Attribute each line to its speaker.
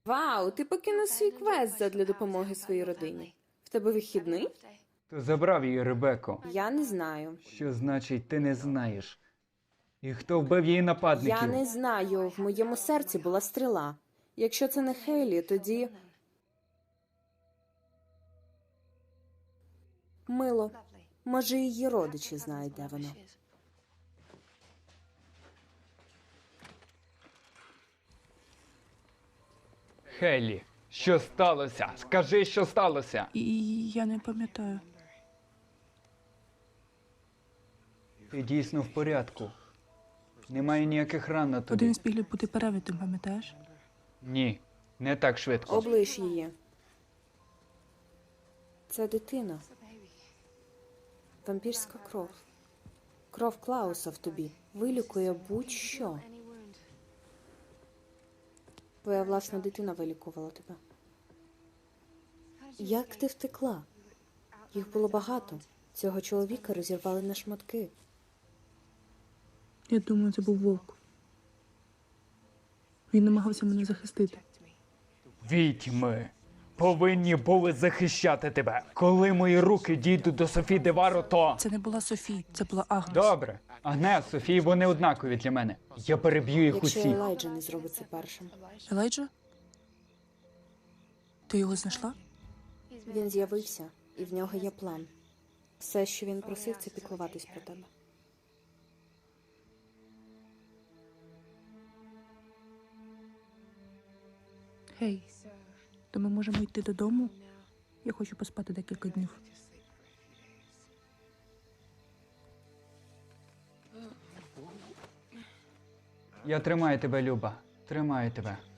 Speaker 1: Вау, ти покинув свій квест задля допомоги своїй родині. В тебе вихідний?
Speaker 2: Хто забрав її, Ребекко?
Speaker 1: Я не знаю.
Speaker 2: Що значить, ти не знаєш? І хто вбив її нападників?
Speaker 1: Я не знаю. В моєму серці була стріла. Якщо це не Хейлі, тоді... Мило. Може, її родичі знають, де вона.
Speaker 2: Хеллі, що сталося? Скажи, що сталося.
Speaker 3: І я не пам'ятаю.
Speaker 2: Ти дійсно в порядку. Немає ніяких ран на тобі.
Speaker 3: Один з піглів бути перевитим, пам'ятаєш?
Speaker 2: Ні, не так швидко.
Speaker 1: Облиш її. Це дитина. Вампірська кров. Кров Клауса в тобі. Вилікує будь-що. Твоя власна дитина вилікувала тебе. Як ти втекла? Їх було багато. Цього чоловіка розірвали на шматки.
Speaker 3: Я думаю, це був вовк. Він намагався мене захистити.
Speaker 2: Відьми повинні були захищати тебе. Коли мої руки дійдуть до Софі Деваро, то...
Speaker 3: Це не була Софі, це була Агнес.
Speaker 2: Добре. Агнес, Софії, вони однакові для мене. Я переб'ю їх
Speaker 1: Якщо
Speaker 2: усіх.
Speaker 1: Елайджа не зробить це першим.
Speaker 3: Елайджа? Ти його знайшла?
Speaker 1: Він з'явився, і в нього є план. Все, що він просив, це піклуватись про тебе.
Speaker 3: Гей, то ми можемо йти додому? Я хочу поспати декілька днів.
Speaker 2: Я тримаю тебе, Люба. Тримаю тебе.